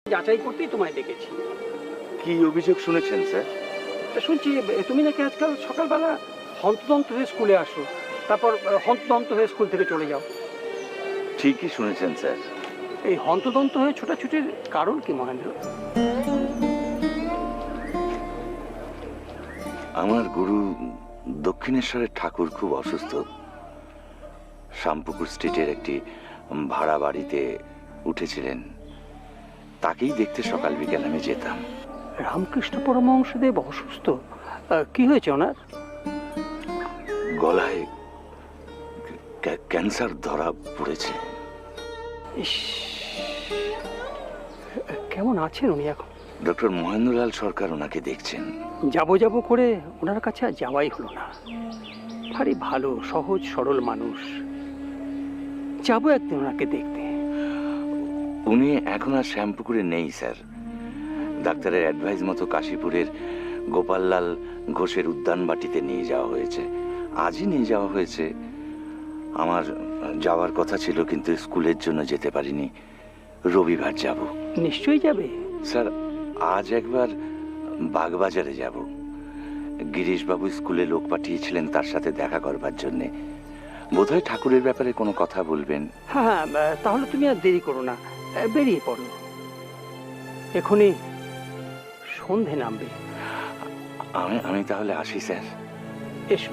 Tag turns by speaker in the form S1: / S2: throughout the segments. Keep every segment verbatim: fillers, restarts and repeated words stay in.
S1: যাচাই করতেই তোমায় ডেকেছি।
S2: কি অভিযোগ শুনেছেন স্যার?
S1: শুনছি তুমি নাকি আজকাল সকালবেলা হন্তদন্ত হয়ে স্কুলে আসো, তারপর হন্তদন্ত হয়ে স্কুল থেকে চলে যাও।
S2: ঠিকই শুনেছেন স্যার।
S1: এই হন্তদন্ত হয়ে ছোটাছুটির কারণ কি মহেন্দ্র?
S2: আমার গুরু দক্ষিণেশ্বরের ঠাকুর খুব অসুস্থ। শ্যামপুকুর স্ট্রিটের একটি ভাড়া বাড়িতে উঠেছিলেন। তাকেই দেখতে সকাল বিকেল আমি যেতাম।
S1: রামকৃষ্ণ পরমহংসদেব অসুস্থ? কি হয়েছে ওনার?
S2: গলায় ক্যান্সার ধরা পড়েছে।
S1: ইস, কেমন আছেন উনি এখন?
S2: ডক্টর মহেন্দ্রলাল সরকার ওনাকে দেখছেন।
S1: যাবো যাবো করে ওনার কাছে আর যাওয়াই হলো না। ভারী ভালো সহজ সরল মানুষ, যাবো একদিন ওনাকে দেখতে।
S2: উনি এখন আর শ্যামপুকুরে নেই স্যার। ডাক্তারের অ্যাডভাইস মতো কাশীপুরের গোপাললাল ঘোষের উদ্যান বাটিতে নিয়ে যাওয়া হয়েছে। আজই নিয়ে যাওয়া হয়েছে। আমার যাওয়ার কথা ছিল, কিন্তু স্কুলের জন্য যেতে পারিনি। রবিবার যাব।
S1: নিশ্চয়ই যাবে
S2: স্যার। আজ একবার বাগবাজারে যাব। গিরিশবাবু স্কুলে লোক পাঠিয়েছিলেন তার সাথে দেখা করবার জন্যে। বোধহয় ঠাকুরের ব্যাপারে কোনো কথা বলবেন।
S1: হ্যাঁ হ্যাঁ, তাহলে তুমি আর দেরি করো না, বেরিয়ে পড়ো। এখনই সন্ধে নামবে।
S2: আমি আমি তাহলে আসি স্যার।
S1: এসো।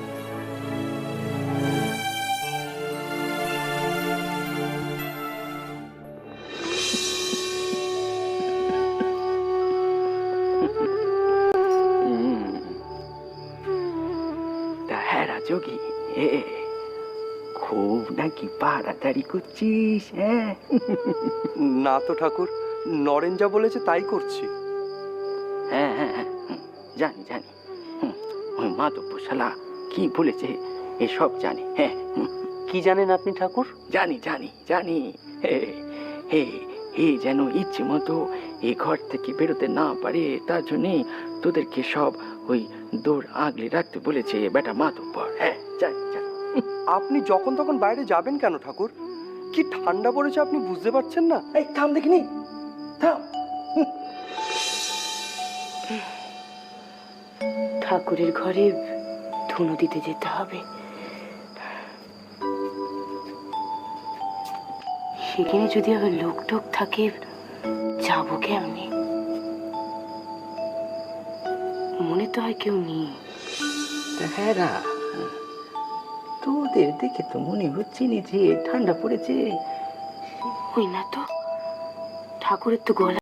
S3: যোগী, খুব নাকি পাড়াতাড়ি করছিস? হ্যাঁ
S4: না তো ঠাকুর, নরেন যা বলেছে তাই করছি।
S3: হ্যাঁ হ্যাঁ জানি জানি। ওই মাধব শালা কি বলেছে এসব জানি। হ্যাঁ,
S1: কি জানেন আপনি ঠাকুর?
S3: জানি জানি জানি। হে হে হে যেন ইচ্ছে মতো এই ঘর থেকে বেরোতে না পারে, তার জন্যে তোদেরকে সব ওই দৌড় আগলে রাখতে বলেছে বেটা মাধবপর। হ্যাঁ জানি জানি।
S4: আপনি যখন তখন বাইরে যাবেন কেন ঠাকুর? কি ঠান্ডা পড়েছে আপনি বুঝতে পারছেন না?
S3: এই থাম দেখিনি, থাম।
S5: ঠাকুরের ঘরে ধুনো দিতে যেতে হবে। সেখানে যদি আবার লোক টোক থাকে, যাবো কেমনি? মনে তো হয় কেউ নেই।
S3: হ্যাঁ, তোদের দেখে তো মনে হচ্ছে না যে ঠান্ডা পড়েছে।
S5: ওই না তো, ঠাকুরের তো গলা